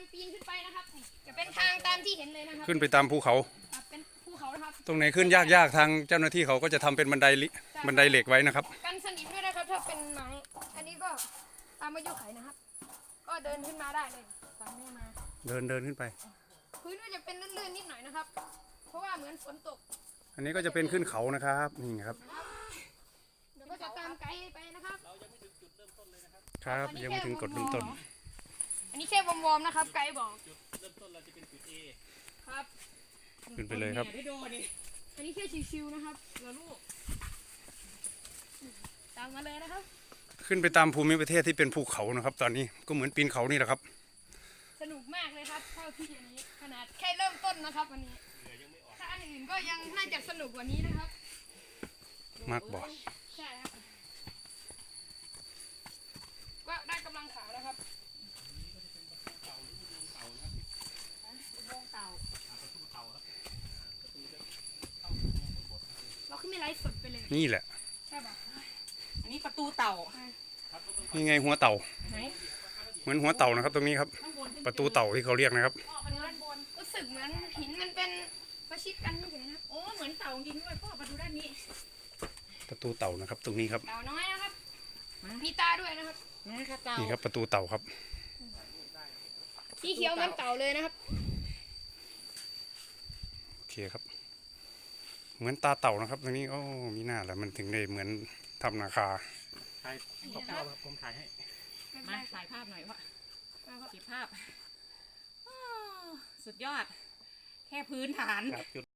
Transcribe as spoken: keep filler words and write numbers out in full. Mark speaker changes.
Speaker 1: ปีนขึ้นไปนะครับนี่จะเป็นทางตามที่เห็นเลยนะครับ
Speaker 2: ขึ้นไปตามภูเขา
Speaker 1: เป็นภูเขานะครับ
Speaker 2: ตรงไหนขึ้นยากๆทางเจ้าหน้าที่เขาก็จะทำเป็นบันไดบันไดเหล็กไว้นะครับ
Speaker 1: กันสนิมด้วยนะครับถ้าเป็นไม้อันนี้ก็ตามอายุไขนะครับก็เดินขึ้นมาได้เลยตามนี้มา
Speaker 2: เดินเดินขึ้นไป
Speaker 1: พื้นก็จะเป็นลื่นๆนิดหน่อยนะครับเพราะว่าเหมือนฝนตก
Speaker 2: อันนี้ก็จะเป็นขึ้นเขานะครับนี่ครับ
Speaker 1: เดี๋ยวก็จะตามไกด์ไปนะครับ
Speaker 2: เรายังไม่ถึงจุดเริ่มต้นเลยนะครับครับยังไม่ถึงกดเริ่มต้น
Speaker 1: อันนี้แค่วอร์มๆนะครับไกด์บอก
Speaker 2: จุดเริ่มต้นเราจะเป็นจุด A
Speaker 1: ครับ
Speaker 2: ขึ้นไปเลยครับ
Speaker 1: อันนี้แค่ชิวๆนะครับเหลือลูกตามมาเลยนะครับ
Speaker 2: ขึ้นไปตามภูมิประเทศที่เป็นภูเขานะครับตอนนี้ก็เหมือนปีนเขานี่แหละครับ
Speaker 1: สนุกมากเลยครับเท่าที่อันนี้ขนาดแค่เริ่มต้นนะครับวันนี้ถ้าอันอื่นก็ยังน่าจะสนุกกว่านี้นะครับ
Speaker 2: มากบอก
Speaker 1: ใช่ครับก็ได้กำลังขาแล้วครับเราขึ้นไม่ไลฟ์สดไปเลย
Speaker 2: นี่แหละ
Speaker 1: ใช่ป่ะ
Speaker 3: อันนี้ประตูเต่า
Speaker 2: นี่ไงหัวเต่าเหมือนหัวเต่านะครับตรงนี้ครับประตูเต่าที่เขาเรียกนะครับ
Speaker 1: รู้สึกเหมือนหินมันเป็นประชิดกันเฉยๆนะ
Speaker 3: โอ้เหมือนเต่าจริงด้วยพ่อมาดูด้านนี้
Speaker 2: ประตูเต่านะครับตรงนี้ครับ
Speaker 1: เต่าน้อยนะครับมีตาด้วยนะครับ
Speaker 2: นี่ครับประตูเต่าครับ
Speaker 1: สีเขียวมันเต่าเลยนะครับ
Speaker 2: โอเคครับเหมือนตาเต่านะครับตรงนี้โอ้มีหน้าแล้วมันถึงได้เหมือนทำนาคา
Speaker 3: ถ่ายภาพผมถ่ายให้มาถ่ายภาพหน่อยพ่อเก็บภาพสุดยอดแค่พื้นฐาน